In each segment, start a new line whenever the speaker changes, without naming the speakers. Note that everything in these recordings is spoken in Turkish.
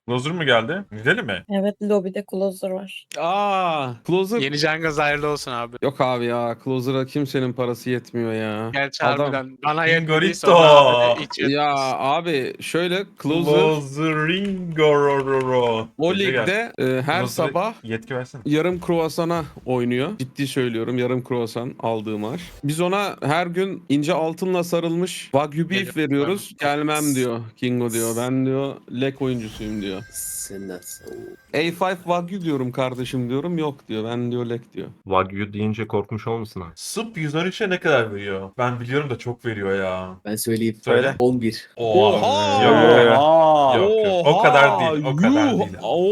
Closer mu geldi? Gidelim mi?
Evet, lobide closer var.
Closer.
Yeni Cengiz hayırlı olsun abi.
Yok abi ya. Closer'a kimsenin parası yetmiyor ya.
Gerçi
Adam.
harbiden bana yetmediyse
Ingorito.
ona hiç
Ya
yetmez.
abi şöyle Closer
Closeringo.
o
Gece gel.
ligde her
Closer'a
sabah
yetki versene.
yarım kruvasana oynuyor. Ciddi söylüyorum, yarım kruvasan aldığı maaş. Biz ona her gün ince altınla sarılmış Wagyu beef
Geliyor.
veriyoruz. Gelmem diyor Kingo diyor. Ben diyor lek oyuncusuyum diyor.
Sen nasıl?
A5 Wagyu diyorum kardeşim diyorum. Yok diyor. Ben diyor lek diyor.
Wagyu deyince korkmuş olmasın ha?
Sıp 113'e ne kadar veriyor? Ben biliyorum da çok veriyor ya.
Ben söyleyeyim.
Söyle.
11.
Oha!
Yok, yok, yok.
Aa.
Yok, yok. O kadar değil. O kadar
Yuh!
değil.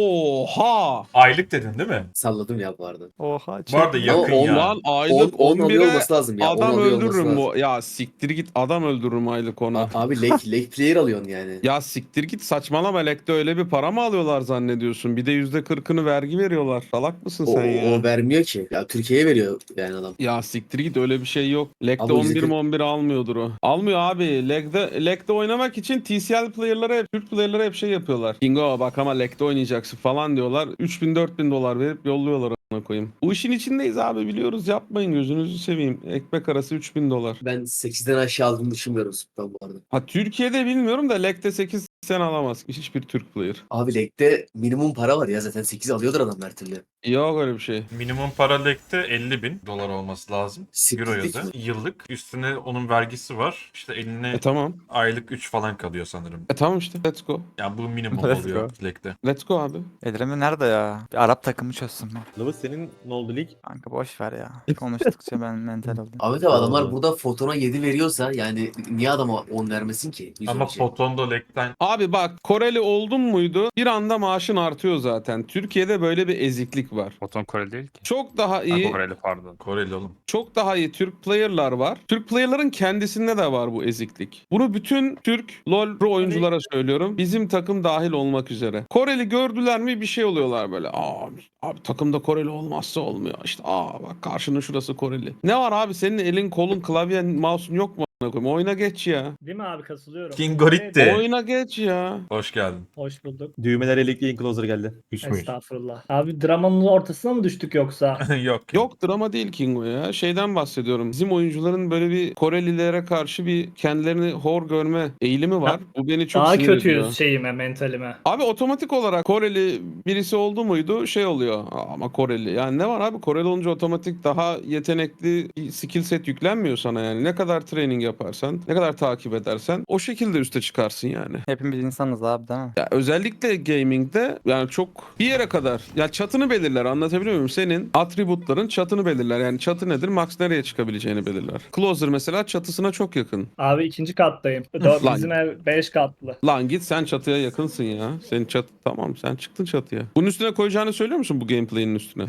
Oha!
Aylık dedin değil mi?
Salladım ya bu arada.
Oha.
Bu arada yakın
on
ya.
Lan aylık
10 alıyor
11'e
olması lazım ya. 10
adam
alıyor olması
öldürürüm
lazım.
bu. Ya siktir git adam öldürürüm aylık ona.
Abi leg player alıyorsun yani.
Ya siktir git saçmalama lekte öyle bir para mı alıyorlar zannediyorsun? Bir de %40'ını vergi veriyorlar. Salak mısın
O,
sen ya?
o vermiyor ki. Ya Türkiye'ye veriyor yani adam.
Ya siktir git öyle bir şey yok. Leg'de
Abi
11
%40
mi 11 almıyordur o. Almıyor abi. Leg'de oynamak için TCL player'lara hep Türk player'lara hep şey yapıyorlar. Kingo bak ama Leg'de oynayacaksın falan diyorlar. 3000-4000 dolar verip yolluyorlar ona koyayım. Bu işin içindeyiz abi biliyoruz yapmayın gözünüzü seveyim. Ekmek arası 3000 dolar.
Ben 8'den aşağı aldığını düşünmüyorum ben bu arada.
Ha Türkiye'de bilmiyorum da Leg'de 8 sen alamaz hiçbir Türk player.
Abi legde minimum para var ya zaten 8 alıyordur adam her türlü.
Yok öyle bir şey.
Minimum para lekte 50.000 dolar olması lazım. Euro
Siktirdik
yazı.
mi?
Yıllık. Üstüne onun vergisi var. İşte eline
Tamam.
aylık 3 falan kalıyor sanırım.
Tamam işte let's go.
Yani bu minimum
Let's
oluyor lekte.
Let's go abi.
Edrem'i nerede ya? Bir Arap takımı çözsün mü?
Lavuz senin ne oldu lig?
Kanka boş ver ya. Konuştukça ben mental oldum.
Ahmet abi adamlar
Oldu.
burada fotona 7 veriyorsa yani niye adama 10 vermesin ki?
Ama
şey.
Foton'da lekten
Abi bak Koreli oldun muydu bir anda maaşın artıyor zaten. Türkiye'de böyle bir eziklik var.
Foton Kore değil ki.
Çok daha
Ha,
iyi,
Koreli pardon.
Koreli oğlum.
çok daha iyi Türk player'lar var. Türk player'ların kendisinde de var bu eziklik. Bunu bütün Türk LoL pro oyunculara söylüyorum. Bizim takım dahil olmak üzere. Koreli gördüler mi bir şey oluyorlar böyle. Abi takımda Koreli olmazsa olmuyor. İşte bak karşının şurası Koreli. Ne var abi senin elin kolun klavyen mouse'un yok mu? Oyna geç ya.
Değil mi abi katılıyorum.
Kingoritti.
Oyna geç ya.
Hoş geldin.
Hoş bulduk.
Düğmeler elektriğin closer geldi.
Küsmüş.
Estağfurullah. Abi dramanın ortasına mı düştük yoksa?
Yok.
Yok drama değil Kingo ya. Şeyden bahsediyorum. Bizim oyuncuların böyle bir Korelilere karşı bir kendilerini hor görme eğilimi var. Bu beni çok
Daha
sinir
kötüyüz
ediyor.
şeyime, mentalime.
Abi otomatik olarak Koreli birisi oldu muydu şey oluyor. Ama Koreli. Yani ne var abi Koreli olunca otomatik daha yetenekli skill set yüklenmiyor sana yani. Ne kadar training yaparsan, ne kadar takip edersen o şekilde üste çıkarsın yani.
Hepimiz insanız abi değil mi?
Ya özellikle gaming'de yani çok bir yere kadar ya çatını belirler anlatabiliyor muyum? Senin atributların çatını belirler. Yani çatı nedir? Max nereye çıkabileceğini belirler. Closer mesela çatısına çok yakın.
Abi ikinci kattayım.
Lan.
Bizim ev 5 katlı.
Lan git sen çatıya yakınsın ya. Senin çatı tamam sen çıktın çatıya. Bunun üstüne koyacağını söylüyor musun bu gameplay'in üstüne?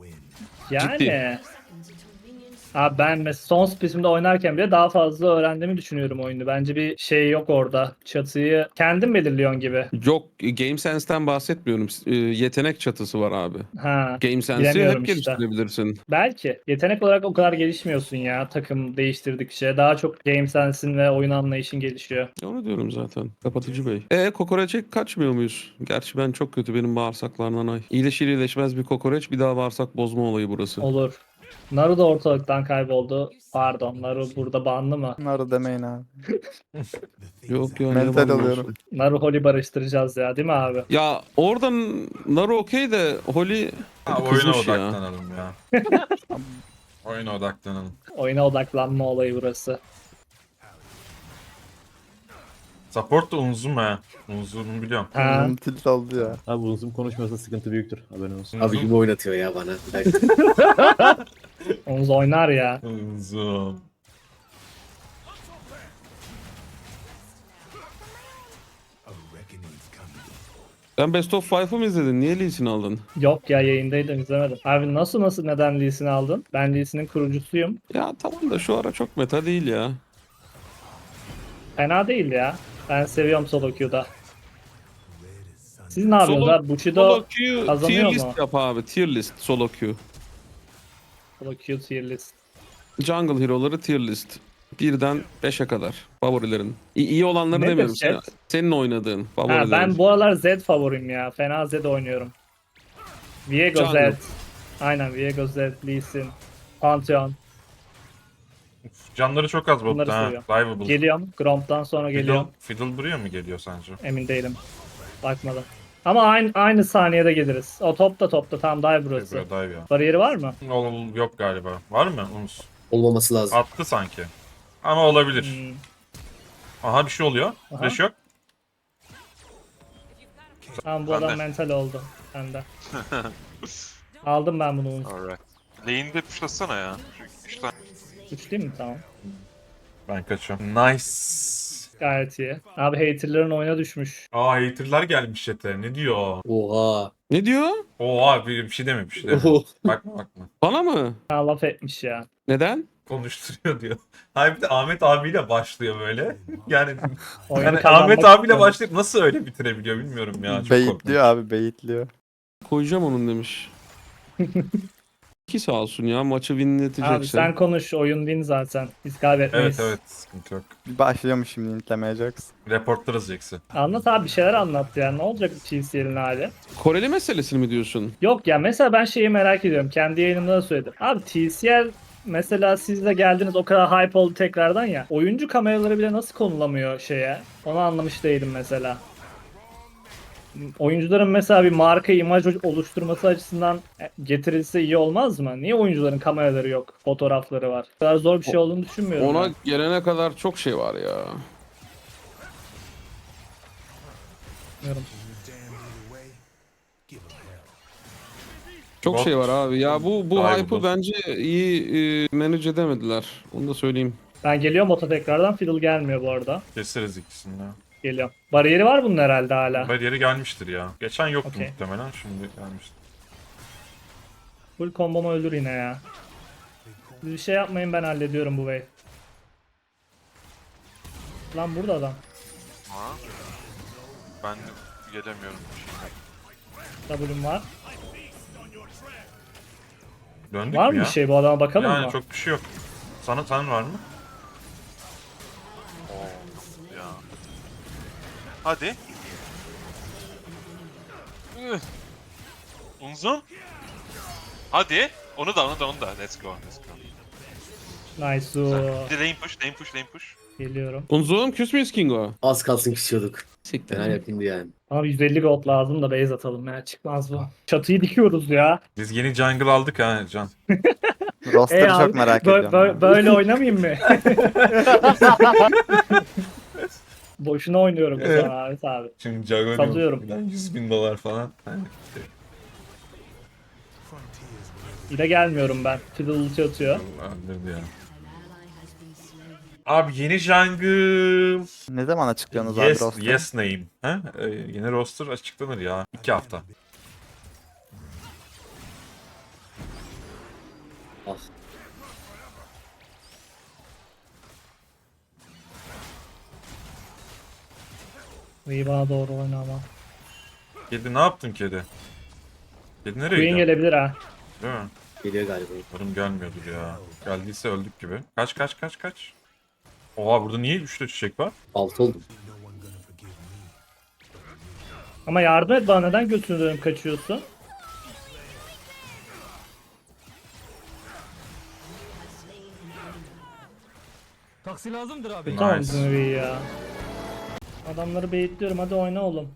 Yani.
Ciddi.
Abi ben mesela son splitimde oynarken bile daha fazla öğrendiğimi düşünüyorum oyunu. Bence bir şey yok orada. Çatıyı kendin belirliyorsun gibi.
Yok GameSense'ten bahsetmiyorum. Yetenek çatısı var abi.
Ha.
GameSense'i
Bilemiyorum
hep
işte.
geliştirebilirsin.
Belki. Yetenek olarak o kadar gelişmiyorsun ya takım değiştirdikçe. Daha çok game sensin ve oyun anlayışın gelişiyor.
Onu diyorum zaten. Kapatıcı bey. Kokoreçe kaçmıyor muyuz? Gerçi ben çok kötü benim bağırsaklarından ay. İyileşir iyileşmez bir kokoreç bir daha bağırsak bozma olayı burası.
Olur. Naru da ortalıktan kayboldu. Pardon, Naru burada banlı mı?
Bunları demeyin abi.
Yok ya.
Mental
ne
alıyorum.
olsun.
Naru Holly barıştıracağız ya, değil mi abi?
Ya oradan Naru okey de Holly
Ha, oyuna
kızmış ya.
odaklanalım ya. Oyuna odaklanalım.
Oyuna odaklanma olayı burası.
Support da Unzum ha. Unzum'u biliyorum.
Ha.
Tilt oldu ya.
Abi uzun konuşmuyorsa sıkıntı büyüktür. Haberin olsun.
Abi gibi oynatıyor ya bana. Bir dakika.
Onuz oynar ya.
Unzum.
Sen Best of 5'ı mı izledin? Niye Lee Sin aldın?
Yok ya, yayındaydım, izlemedim. Abi nasıl neden Lee Sin'i aldın? Ben Lee Sin'in kurucusuyum.
Ya tamam da şu ara çok meta değil ya.
Fena değil ya. Ben seviyorum solo queue'da. Siz ne yapıyorsunuz abi? Bushido
Solo queue
kazanıyor
tier
mu?
list yap abi. Tier list solo queue.
solo queue tier list.
Jungle hero'ları tier list. Birden 5'e kadar favorilerin. İyi olanları
Nedir
demiyorum.
chat?
Senin oynadığın
Ha,
favorilerin.
ben bu aralar Zed favorim ya. Fena Zed oynuyorum. Viego
Jungle.
Zed. Aynen Viego Zed, Lee Sin, Pantheon.
Canları çok az
Bunları
botta ha.
seviyorum.
Rival.
Geliyorum. Gromp'tan sonra geliyorum.
Fiddle buraya mı geliyor sence?
Emin değilim. Bakmadım. Ama aynı saniyede geliriz. O topta tam dive burası.
Buraya dive ya.
Bariyeri var mı?
Yok galiba. Var mı? Umut.
Olmaması lazım.
Attı sanki. Ama olabilir.
Hmm.
Aha bir şey oluyor.
Aha.
Flash yok.
Tamam bu
Ben de.
adam mental oldu. Ben de. Aldım ben bunu.
Alright. Lane'de pushlasana ya. Şu 3 tane.
3 değil mi? Tamam.
Ben kaçıyorum. Nice.
Gayet iyi. Abi haterların oyuna düşmüş.
Aa haterlar gelmiş chat'e. Ne diyor?
Oha.
Ne diyor?
Oha bir şey deme bir şey deme.
Oho.
Bakma.
Bana mı?
Ha, laf etmiş ya.
Neden?
Konuşturuyor diyor. Hayır bir de Ahmet abiyle başlıyor böyle. Yani
Oyunu
Ahmet
kazanmak
abiyle
istiyorum.
başlayıp nasıl öyle bitirebiliyor bilmiyorum ya. Çok
Beyitliyor
korkunç.
abi beyitliyor.
Koyacağım onun demiş. Ki sağ olsun ya maçı winletecekse.
Abi sen konuş. Oyun win zaten. Biz kaybetmeyiz.
Evet sıkıntı yok.
Bir başlıyormuş şimdi intlemeye Jax.
Reportlarız Jax'i.
Anlat abi bir şeyler anlat ya. Ne olacak TCL'in hali?
Koreli meselesini mi diyorsun?
Yok ya mesela ben şeyi merak ediyorum. Kendi yayınımda da söyledim. Abi TCL mesela siz de geldiniz o kadar hype oldu tekrardan ya. Oyuncu kameraları bile nasıl konulamıyor şeye? Onu anlamış değilim mesela. Oyuncuların mesela bir marka imaj oluşturması açısından getirilse iyi olmaz mı? Niye oyuncuların kameraları yok, fotoğrafları var? Bu kadar zor bir şey olduğunu düşünmüyorum.
Ona
ben.
gelene kadar çok şey var ya.
Bilmiyorum.
Çok
Bot-
şey var abi. Ya bu
Daha iyi
hype'ı
bot.
bence iyi manage edemediler. Onu da söyleyeyim.
Ben geliyorum bota tekrardan. Fiddle gelmiyor bu arada.
Keseriz ikisini de.
Geliyorum. Bariyeri var bunun herhalde hala.
Bariyeri gelmiştir ya. Geçen yoktu
Okey.
muhtemelen. Şimdi gelmiştir.
Full kombomu öldür yine ya. Siz bir şey yapmayın ben hallediyorum bu wave. Lan burada adam.
Ha? Ben gelemiyorum.
W'm var.
Döndük
Var
mü
mı
ya?
bir şey bu adama bakalım
Yani
mı?
çok bir şey yok. Sen var mı?
Oo ya. Hadi. Unzum. Hadi. Onu da. Let's go.
Nice.
Bir de lane push.
Geliyorum.
Unzum küs müyüz Kingo?
Az kalsın küsüyorduk.
Siktir.
Fena yakındı yani.
Abi 150 gold lazım da base atalım ya. Çıkmaz bu. Çatıyı dikiyoruz ya.
Biz yeni jungle aldık ha Can.
Roster'ı
abi,
çok merak ediyorum.
Böyle oynamayayım mı? Boşuna oynuyorum o zaman Ahmet abi.
Şimdi jungle
Salıyorum.
$100.000 falan.
Yine gelmiyorum ben. Fiddle ulti atıyor.
Öldürdü ya. Abi yeni jungle.
Ne zaman açıklıyorsunuz abi
Yes,
roster'ı?
yes name. Ha? Yeni roster açıklanır ya. 2 hafta.
Ah.
İyi bana doğru oyna ama.
Kedi ne yaptın kedi? Kedi nereye
Queen
gidiyor?
gelebilir ha.
Değil mi?
Geliyor galiba.
Umarım gelmiyordur ya. Geldiyse öldük gibi. Kaç. Oha burada niye 3'te çiçek var?
6 oldum.
Ama yardım et bana neden götünü dönüp kaçıyorsun?
Taksi lazımdır abi.
Tamam
Nice.
bizim iyi ya. Adamları baitliyorum hadi oyna oğlum.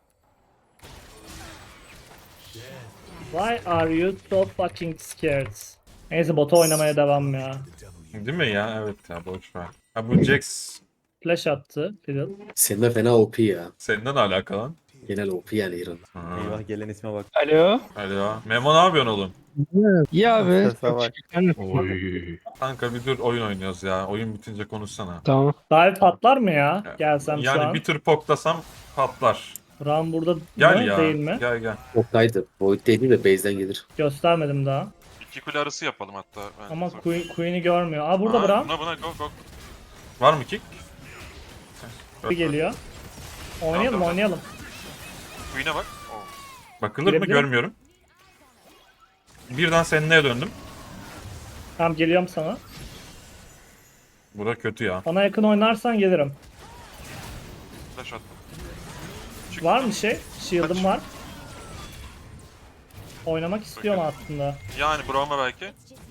Why are you so fucking scared? Neyse bota oynamaya devam ya.
Değil mi ya? Evet ya boş ver. Ha bu Jax
Flash attı Fiddle.
Senin de fena OP ya.
senden alakalı lan.
Genel OP yani İran.
Ha.
Eyvah gelen isme bak.
Alo.
Hadi ya. Memo ne yapıyorsun oğlum?
İyi abi.
Sese bak.
Oy.
Kanka bir dur oyun oynuyoruz ya. Oyun bitince konuşsana.
Tamam.
Dive patlar mı ya? Gelsem şu
Yani
an.
bir tür poklasam patlar.
Ram burada
Gel
mı?
ya.
Değil mi?
Gel.
Oktaydı. Void değil de base'den gelir.
Göstermedim daha.
2 kule arası yapalım hatta. Ben
Ama Queen'i görmüyor. Aa burada Bram.
Buna go.
Var mı kick?
Bir geliyor. Oynayalım
Tamam.
oynayalım.
Queen'e bak. Oo.
Bakılır mı
Girebilirim.
görmüyorum. Birden seninle döndüm.
Tamam geliyorum sana.
Bura kötü ya.
Bana yakın oynarsan gelirim.
Flash attım. Çık.
Var mı şey? Shield'ım
Kaç.
var. Oynamak istiyorum aslında.
Yani Braum'a belki.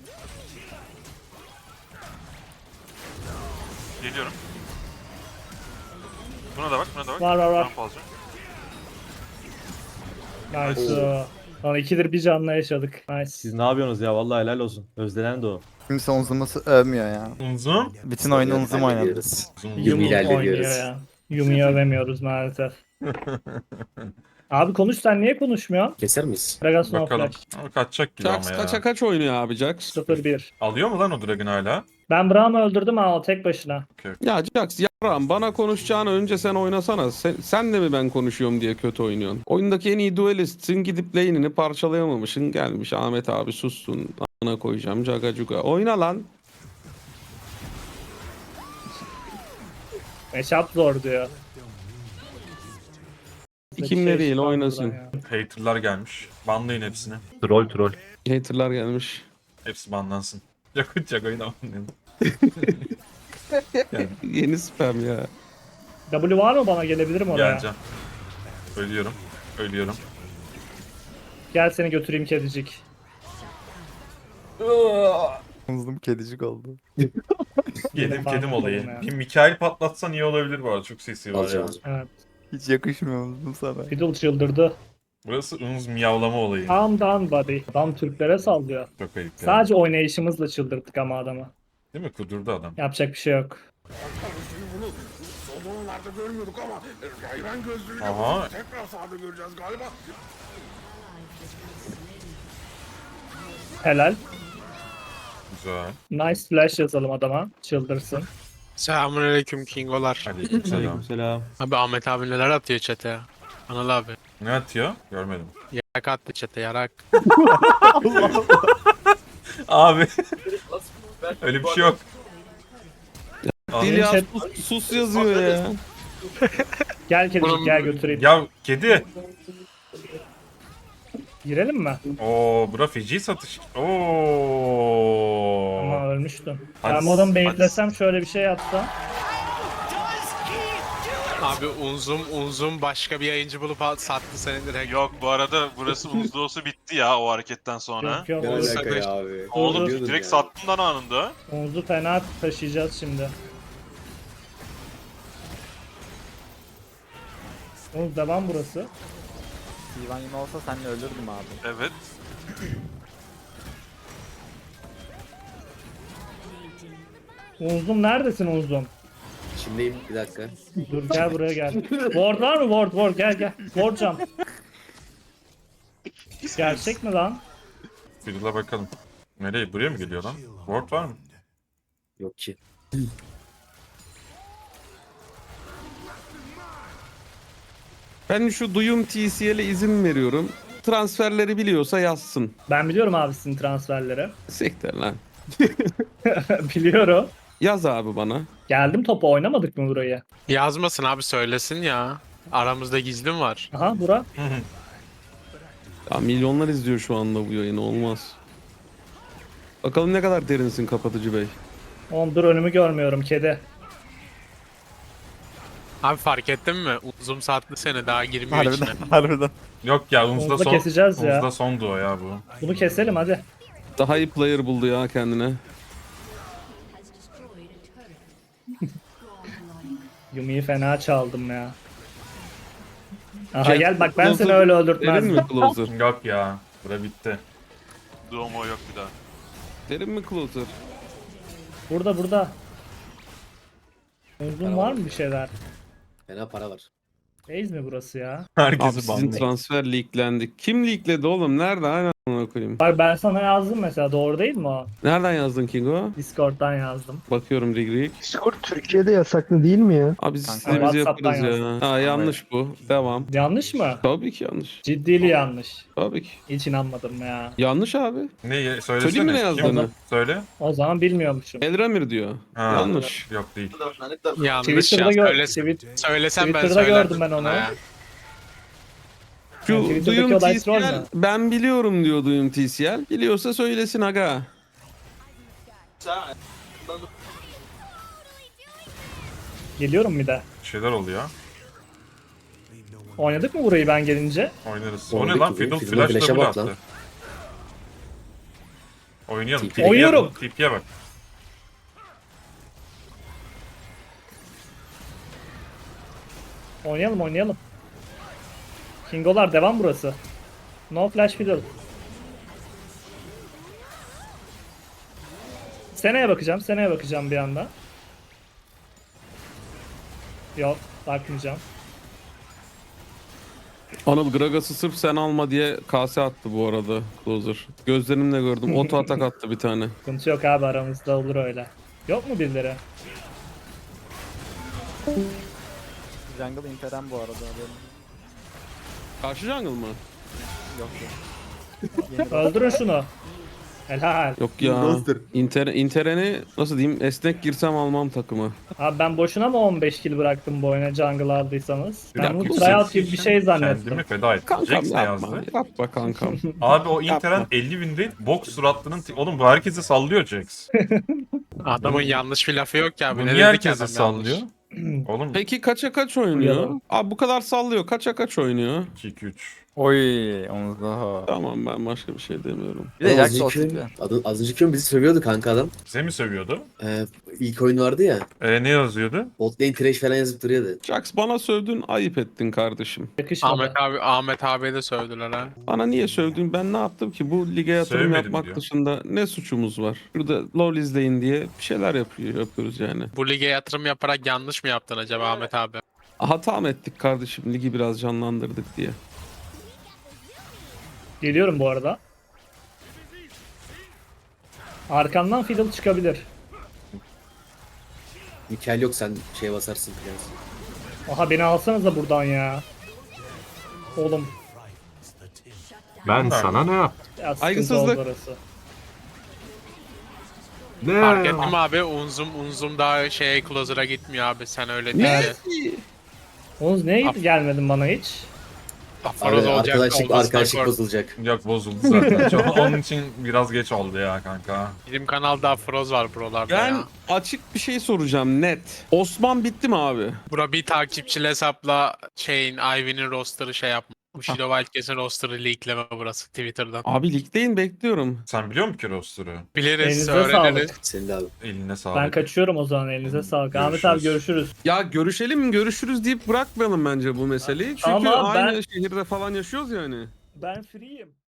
Geliyorum. Buna da bak, buna da bak.
Var, var, var.
Braum alacağım.
Nice. Lan ikidir bir canla yaşadık. Nice.
Siz ne yapıyorsunuz ya? Vallahi helal olsun. Özlenen de o.
Kimse Unzum'u övmüyor ya.
Unzum.
Bütün oyunu Unzum oynadı.
Hallediyoruz.
Unzum.
Yumi ile
oynuyor
hallediyoruz.
ya. Yumi'yi övemiyoruz maalesef. Abi konuş, sen niye konuşmuyorsun?
Keser miyiz?
Gragas no
Bakalım.
flash.
Ama kaçacak gibi
Jax
ama ya.
kaça kaç oynuyor abi Jax?
0-1.
Alıyor mu lan o Dragon hala?
Ben Braum'u öldürdüm ha, o tek başına.
Ya Jax yaram bana konuşacağını önce sen oynasana. Sen de mi ben konuşuyorum diye kötü oynuyorsun? Oyundaki en iyi duelistsin, gidip lane'ini parçalayamamışsın. Gelmiş Ahmet abi sussun. Ana koyacağım caga cuga. Oyna lan.
Matchup zor diyor.
Kimle
Şey
değil
çıkan
oynasın.
buradan ya.
Hater'lar gelmiş. Banlayın hepsini.
Troll.
Hater'lar gelmiş.
Hepsi banlansın. Yakınacak oyunu banlayın.
Yeni spam ya.
W var mı, bana gelebilirim oraya?
Geleceğim. Ölüyorum. Ölüyorum.
Gel seni götüreyim kedicik.
Unzum kedicik oldu.
Kedim
Fark
olayı.
ettim ya.
Bir Mikael patlatsan iyi olabilir bu arada. Çok sesi var ya.
Alacağım.
Evet.
Hiç yakışmıyor Unzum sana.
Fiddle çıldırdı.
Burası Unz miyavlama olayı.
Calm down buddy. Adam Türklere sallıyor.
Çok ayıp ya.
Sadece oynayışımızla çıldırttık ama adamı.
Değil mi? Kudurdu adam.
Yapacak bir şey yok.
Aha.
Helal.
Güzel.
Nice flash yazalım adama. Çıldırsın.
Selamünaleyküm Kingolar.
Aleykümselam.
Aleykümselam.
Abi Ahmet abi neler atıyor chat'e ya? Anıl abi.
Ne atıyor? Görmedim.
Yarak attı chat'e yarak.
Abi. Öyle bir şey yok.
Dil ya
chat-
sus yazıyor ya.
Gel kedicik, gel götüreyim.
Ya kedi.
Girelim mi?
Oo, bura feci satış. Oo.
Ama ölmüştüm.
Hadi-
Ben bu adamı
hadi-
beyitlesem, şöyle bir şey yapsam.
Abi Unzum başka bir yayıncı bulup sattı seni direkt.
Yok bu arada burası Unz'da olsa bitti ya o hareketten sonra.
Yok yok.
Ne
Oğuz-
alaka ya abi?
Oğlum
Diyordun
direkt
ya.
sattın lan anında.
Oğuz'u fena taşıyacağız şimdi. Oğuz devam burası.
Ivan yine olsa seninle ölürdüm abi.
Evet.
Oğuz'um neredesin Oğuz'um?
Şimdiyim bir dakika.
Dur gel buraya gel. Ward var mı? Ward gel gel. Ward jump. Gerçek mi lan?
Fiddle'a bakalım. Nereye? Buraya mı geliyor lan? Ward var mı?
Yok ki.
Ben şu duyum TCL'e izin veriyorum. Transferleri biliyorsa yazsın.
Ben biliyorum abi sizin transferleri.
Sekter lan.
Biliyorum.
Yaz abi bana.
Geldim topa, oynamadık mı burayı?
Yazmasın abi söylesin ya. Aramızda gizlim var.
Aha bura.
Ya milyonlar izliyor şu anda bu yayını, olmaz. Bakalım ne kadar derinsin kapatıcı bey.
Oğlum dur, önümü görmüyorum kedi.
Abi fark ettin mi? Unzum sattı seni daha girmiyor içine.
Harbiden.
Yok ya Unz'da
Unz'da
son.
keseceğiz ya.
Unz'da sondu o ya bu.
Bunu keselim hadi.
Daha iyi player buldu ya kendine.
Yumi'yi fena çaldım ya. Aha
Şey,
gel bak, ben
Closer
seni öyle
Derin
öldürtmezdim.
mi closer?
Yok ya. Bura bitti.
Duomo yok bir daha.
Derin mi closer?
Burada. Uzun var mı bir şeyler?
Fena para var.
Base mi burası ya?
Abi
Herkesi
sizin
banlıyor.
transfer leaklendi. Kim leakledi oğlum? Nerede? Aynen ona koyayım.
Bak ben sana yazdım mesela, doğru değil mi o?
Nereden yazdın Kingo?
Discord'dan yazdım.
Bakıyorum Rig.
Discord Türkiye'de yasaklı değil mi ya?
Abi
Kanka,
sistemimizi
WhatsApp'tan
yaparız ya. Ha yanlış bu. Devam.
Yanlış mı?
Tabii ki yanlış.
Ciddili yanlış.
Tabii ki.
Hiç inanmadım ya.
Yanlış abi.
Ne? Söylesene.
Söyleyeyim mi ne
Kim?
yazdığını?
Söyle.
O zaman bilmiyormuşum.
Elramir diyor.
Ha,
Yanlış.
Yok değil.
Yanlış
Twitter'da
ya.
Twitter'da
Söylesen ben
gördüm
söylerdim
ben onu.
sana ya.
Şu
Yani Twitter'daki
Duyum
olay troll
TCL
mü?
ben biliyorum diyor Duyum TCL. Biliyorsa söylesin aga.
Geliyorum bir de.
Bir şeyler oluyor.
Oynadık mı burayı ben gelince?
Oynarız. O
Oynadık
ne lan?
gibi.
Fiddle
Fiddle'a
flash
flash'a
double
bak lan.
attı. Oynayalım.
TP.
TP'ye
Oynuyorum.
bak, TP'ye bak.
Oynayalım oynayalım. Kingolar devam burası. No flash fiddle. Seneye bakacağım bir anda. Yok, bakmayacağım.
Anıl Gragas'ı sırf sen alma diye kase attı bu arada Closer. Gözlerimle gördüm. Oto atak attı bir tane.
Sıkıntı yok abi, aramızda olur öyle. Yok mu birileri?
Jungle interen bu arada. Haberin
Karşı jungle mı?
yok.
Öldürün şunu. Helal.
Yok ya. Inter'eni nasıl diyeyim, esnek girsem almam takımı.
Abi ben boşuna mı 15 kill bıraktım bu oyuna jungle aldıysanız? Ben
Ya,
bunu
bu
tryout gibi bir şey zannettim.
Kendimi feda ettim.
Kankam
Jax ne
yapma.
yazdı?
Yapma kankam.
Abi o
Yapma.
Inter'in 50 binde box suratlının... Oğlum bu herkese sallıyor Jax.
Adamın yanlış bir lafı yok ya.
Bu
Ne
niye
dedi ki
herkese
adam
sallıyor?
yanlış?
Oğlum
Peki kaça kaç oynuyor?
Uyalım.
Abi bu kadar sallıyor. Kaça kaç oynuyor?
2-2-3.
Oy onu daha.
Tamam, ben başka bir şey demiyorum.
Bir de
Az
Jax
önceki
olsun
oyun-
ya.
az önceki oyun bizi sövüyordu kanka adam.
Bize mi sövüyordu?
İlk oyun vardı ya.
Ne yazıyordu?
Bot lane trash falan yazıp duruyordu.
Jax, bana sövdün, ayıp ettin kardeşim.
Yakışmadı.
Ahmet abi de sövdüler ha.
Bana niye sövdün? Ben ne yaptım ki? Bu lige yatırım
Sevmedim
yapmak
diyor.
dışında ne suçumuz var? Burada LoL izleyin diye bir şeyler yapıyoruz yani.
Bu lige yatırım yaparak yanlış mı yaptın acaba Ahmet abi?
Hata mı ettik kardeşim? Ligi biraz canlandırdık diye.
Geliyorum bu arada. Arkandan fiddle çıkabilir.
Mikel yok, sen şey basarsın biraz.
Aha beni alsanıza buradan ya. Oğlum.
Ben sana ne yaptım?
Ya sıkıntı
Saygısızlık.
oldu orası.
Ne?
Fark ettim abi, unzum daha closer'a gitmiyor abi, sen öyle
Ne?
deyince.
Oğuz niye gelmedin bana hiç?
Aforoz
Abi,
olacak.
arkadaşlık
kork.
bozulacak.
Yok bozuldu zaten. Onun için biraz geç oldu ya kanka.
Bizim kanalda Aforoz var buralarda
Ben
ya.
açık bir şey soracağım, net. Osman bitti mi abi?
Bura bir takipçili hesapla Ivy'nin roster'ı şey yapma. Bushido Wildcats'in roster'ı leakleme burası Twitter'dan.
Abi ligdeyim, bekliyorum.
Sen biliyor musun ki roster'ı?
Biliriz,
Elinize
öğreniriz.
sağlık.
Senin de abi.
Eline sağlık.
Ben kaçıyorum o zaman, elinize sağlık. Ahmet
Görüşürüz.
abi görüşürüz.
Ya görüşelim, görüşürüz deyip bırakmayalım bence bu meseleyi. Çünkü
Ama
aynı
ben-
şehirde falan yaşıyoruz yani.
Ben free'yim.